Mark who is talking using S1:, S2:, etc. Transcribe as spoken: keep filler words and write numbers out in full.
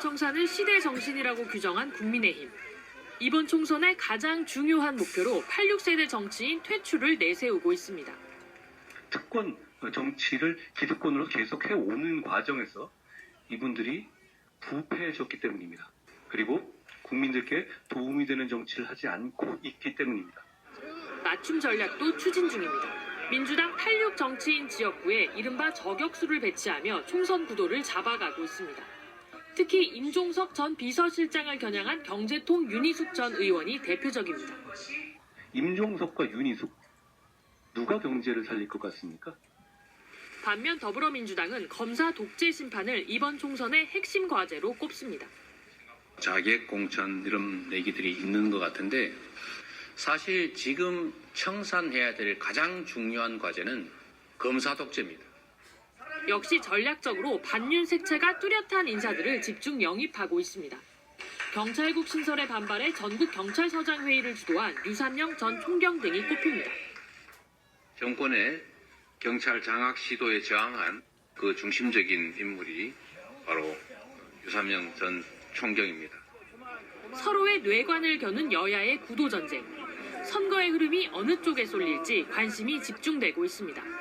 S1: 청산을 시대 정신이라고 규정한 국민의힘. 이번 총선의 가장 중요한 목표로 팔십육 세대 정치인 퇴출을 내세우고 있습니다.
S2: 특권 정치를 기득권으로 계속해 오는 과정에서 이분들이 부패해졌기 때문입니다. 그리고 국민들께 도움이 되는 정치를 하지 않고 있기 때문입니다.
S1: 맞춤 전략도 추진 중입니다. 민주당 팔십육 정치인 지역구에 이른바 저격수를 배치하며 총선 구도를 잡아가고 있습니다. 특히 임종석 전 비서실장을 겨냥한 경제통 윤희숙 전 의원이 대표적입니다.
S2: 임종석과 윤희숙, 누가 경제를 살릴 것 같습니까?
S1: 반면 더불어민주당은 검사 독재 심판을 이번 총선의 핵심 과제로 꼽습니다.
S3: 자객 공천 이런 얘기들이 있는 것 같은데 사실 지금 청산해야 될 가장 중요한 과제는 검사 독재입니다.
S1: 역시 전략적으로 반윤 색채가 뚜렷한 인사들을 집중 영입하고 있습니다. 경찰국 신설에 반발해 전국 경찰서장 회의를 주도한 유산영 전 총경 등이 꼽힙니다.
S3: 정권의 경찰 장악 시도에 저항한 그 중심적인 인물이 바로 유산영 전 총경입니다.
S1: 서로의 뇌관을 겨눈 여야의 구도전쟁. 선거의 흐름이 어느 쪽에 쏠릴지 관심이 집중되고 있습니다.